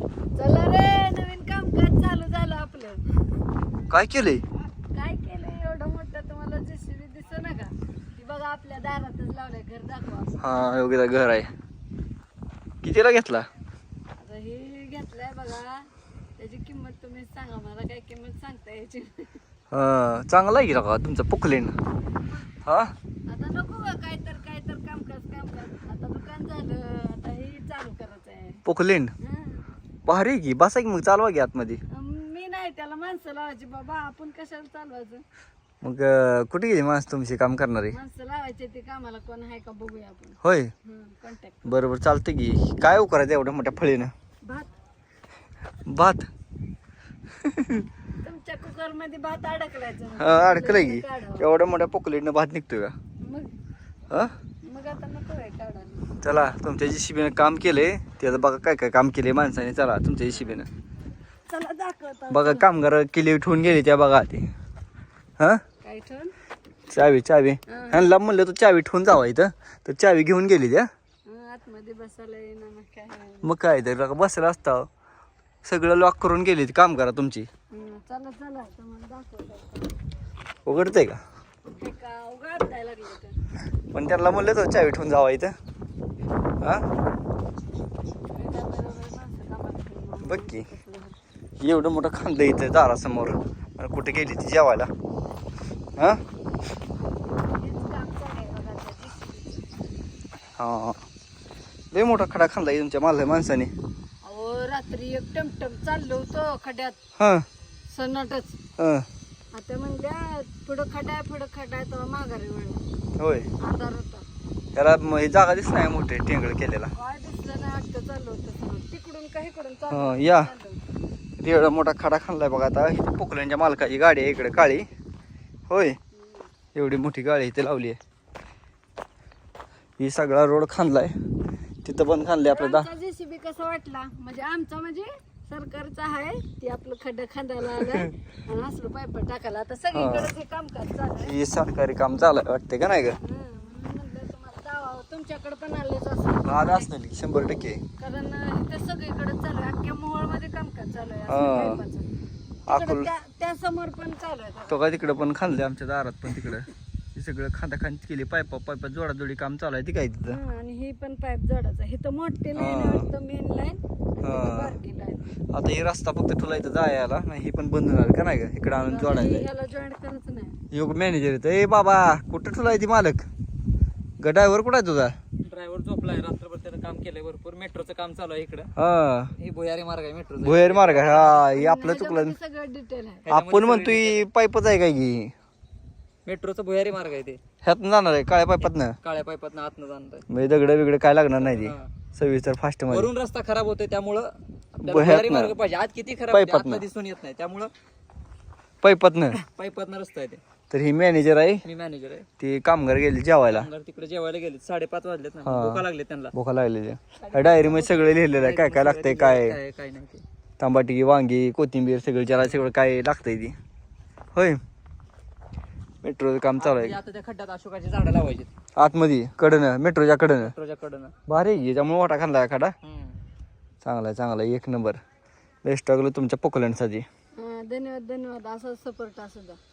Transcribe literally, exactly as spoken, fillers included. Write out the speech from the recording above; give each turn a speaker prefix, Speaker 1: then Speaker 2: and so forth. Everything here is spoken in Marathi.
Speaker 1: चला रे, नवीन कामकाज चालू झालं आपलं.
Speaker 2: काय केलंय?
Speaker 1: काय केलंय एवढं मोठं तुम्हाला जेसीबी दिसत ना का? ती बघा आपल्या दारातच लावलंय. घर दाखवा.
Speaker 2: हा योग्य घर आहे. कितीला घेतला?
Speaker 1: आता हे घेतलंय बघा, त्याची किंमत तुम्ही सांगा मला. काय किंमत सांगता याची?
Speaker 2: हा चांगला आहे की का तुमचं पोकलेन? हा
Speaker 1: आता नको का काय तर काय तर कामकाज कामकाज. आता दुकान झालं, आता हे चालू करायचं आहे.
Speaker 2: पोकलेन
Speaker 1: हं.
Speaker 2: भारी आहे की. बसा की मग, चालवा की आतमध्ये.
Speaker 1: मी नाही, त्याला माणसं लावायची बाबा. आपण कशाला चालवायचं?
Speaker 2: मग अं, कुठे गेली माणसं तुमची काम करणारे?
Speaker 1: माणसं लावायचे ते कामाला. कोण आहे का बघूया आपण.
Speaker 2: होय
Speaker 1: कॉन्टॅक्ट.
Speaker 2: बरोबर चालतं की. काय करायचं एवढ्या मोठ्या फळीनं?
Speaker 1: भात
Speaker 2: भात
Speaker 1: तुमच्या कुकर मध्ये भात अडकलायचं.
Speaker 2: हा अडकलंय की.
Speaker 1: काढावं.
Speaker 2: एवढ्या मोठ्या पोकलेटनं भात निघतोय का?
Speaker 1: मग
Speaker 2: हा
Speaker 1: मग आता नको आहे काढायला.
Speaker 2: चला तुमच्या जेसीबीनं काम केलंय त्याचं बघा काय काय काम केलंय माणसाने. चला तुमच्या जेसीबीनं
Speaker 1: चला दाखवता.
Speaker 2: बघा कामगार किल्ली ठेवून गेली त्या बघा ते. हा
Speaker 1: काय ठेवून?
Speaker 2: चावी चावी ह्यांना म्हणलं तू चावी ठेवून जावा इथं, तर चावी घेऊन गेली त्या.
Speaker 1: हं, आतमध्ये बसायला येईना मग काय.
Speaker 2: मग काय तर बसला असता. सगळं लॉक करून गेली ती काम करा तुमची.
Speaker 1: हं, चला चला तुम्हाला दाखवता.
Speaker 2: उघडतंय का?
Speaker 1: हे का उघडताय लागलं तर.
Speaker 2: पण त्यांना म्हणलं तर चावी ठेवून जावा इथं. हा बघ की एवढं मोठं खांद इथं दारासमोर, आणि कुठे गेली ती जेवायला? हा हा लय मोठा खडा खांदा तुमच्या मला माणसाने.
Speaker 1: अहो रात्री एक टमटम चाललो होतो खड्यात.
Speaker 2: हा
Speaker 1: सन्नाटच.
Speaker 2: हा
Speaker 1: आता म्हणल्या पुढं खड्डा आहे, पुढं खड्डा आहे, तेव्हा माघारी वळला.
Speaker 2: होय
Speaker 1: अंधार होता.
Speaker 2: त्याला म- हे जागा दिसत नाही मोठे टेंगळ केलेला.
Speaker 1: काय दिसलं नाही. वाटतं चाललो होतं तिकडून काही इकडून
Speaker 2: हा,
Speaker 1: चाललो
Speaker 2: या
Speaker 1: होतो.
Speaker 2: एवढा मोठा खडा खाल्लाय बघा. आता इथे पोकल्यांच्या मालकाची गाडी आहे इकडे काळी. होय एवढी मोठी गाडी इथे लावली आहे. ही सगळा रोड खांदलाय. तिथं पण खांदले आपल्या दा
Speaker 1: आमचा जेसीबी कसा वाटला? म्हणजे आमचा म्हणजे सरकारचा आहे. ते आपलं खड्डा खांदायला आलं आणि असलं पाईप टाकायला. आता सगळीकडे हे कामकाज चालू आहे.
Speaker 2: हे सरकारी काम चालू वाटते का नाही ग?
Speaker 1: हं, म्हणून म्हणलं तुम्हाला जावं. तुमच्याकडे पण आलेच असं.
Speaker 2: आज असणार की शंभर टक्के.
Speaker 1: कारण इथं सगळीकडे चालू आहे. अख्ख्या मोहोळ मध्ये कामकाज चालू आहे.
Speaker 2: हा.
Speaker 1: असं पाईपाचं. तिकडं
Speaker 2: अकोल
Speaker 1: त्या त्या समोर पण चालू आहे.
Speaker 2: तो का तिकडं पण खांदले आमच्या दारात पण तिकडं. हे सगळं खांदा खांद केली. पायपा पायपा जोडाजोडी काम चालू आहे ती काय तिथं.
Speaker 1: हं, आणि ही पण पाईप जोडायचा. हे तर मोठी लाईन आहे वाटतं, मेन लाईन.
Speaker 2: हा.
Speaker 1: बारकी लाईन.
Speaker 2: आता हे रस्ता फक्त तुला इथं जायला ना, ही पण बंद होणार का नाही का? इकडं आणून जोडायला.
Speaker 1: ह्याला जॉईंट करायचं नाही.
Speaker 2: योग मॅनेजर येतं. ए बाबा कुठं ठुलाय ती मालक? ग ड्रायव्हर कुठं आहे तुझा?
Speaker 3: ड्रायव्हर झोपलाय. रात्रभर त्यानं काम केलंय भरपूर. मेट्रोचं काम चालू आहे इकडं.
Speaker 2: हा
Speaker 3: हे भुयारी मार्ग आहे मेट्रोचा.
Speaker 2: भुयारी मार्ग आहे. हा हे आपलं चुकलं.
Speaker 1: ह्याच्यामध्ये सगळं डिटेल आहे.
Speaker 2: आपण म्हणतोय पाईपच आहे काय की?
Speaker 3: मेट्रोचा भुयारी मार्ग आहे ते.
Speaker 2: ह्यातनं जाणार आहे काळ्या पाईपातनं.
Speaker 3: काळ्या पाईपात आतनं जाणार आहे.
Speaker 2: म्हणजे दगड बिगड काय लागणार नाही ती.
Speaker 3: हा.
Speaker 2: सविस्तर फास्ट मध्ये.
Speaker 3: वरून रस्ता खराब होतोय त्यामुळं आपल्याला
Speaker 2: भुयातनं.
Speaker 3: भुयारी मार्ग पाहिजे. आज किती खराब आहे,
Speaker 2: पाईपातनं.
Speaker 3: आतनं दिसून येत नाही. त्यामुळं
Speaker 2: पाईपातनं.
Speaker 3: पाईपातनं रस्ता आहे ते.
Speaker 2: तर ही मॅनेजर आहे.
Speaker 3: मी मॅनेजर आहे.
Speaker 2: ती कामगार गेली जेवायला.
Speaker 3: कामगार तिकडे जेवायला गेले. साडेपाच वाजलेत ना.
Speaker 2: हा.
Speaker 3: भूका लागले त्यांना.
Speaker 2: भोका लागलेली. डायरी मध्ये सगळं लिहिलेलं आहे काय काय लागतंय. काय
Speaker 3: काय काय नाही ते.
Speaker 2: तांबाटी वांगी कोथिंबीर सगळं जरा सगळं काय लागतंय ती. होय मेट्रोचं काम चालू आहे.
Speaker 3: आता त्या खड्ड्यात अशोकाची झाडं लावायची
Speaker 2: आतमध्ये कडनं मेट्रोच्या कडनं.
Speaker 3: मेट्रोच्या कडनं.
Speaker 2: भारी आहे की. त्यामुळे मोठा खाल्ला खडा.
Speaker 3: हम्म.
Speaker 2: चांगला आहे चांगला आहे. एक नंबर. बेस्ट लागलो तुमच्या पोकलँडसाठी.
Speaker 1: हं, धन्यवाद धन्यवाद. असा सपोर्ट असू द्या.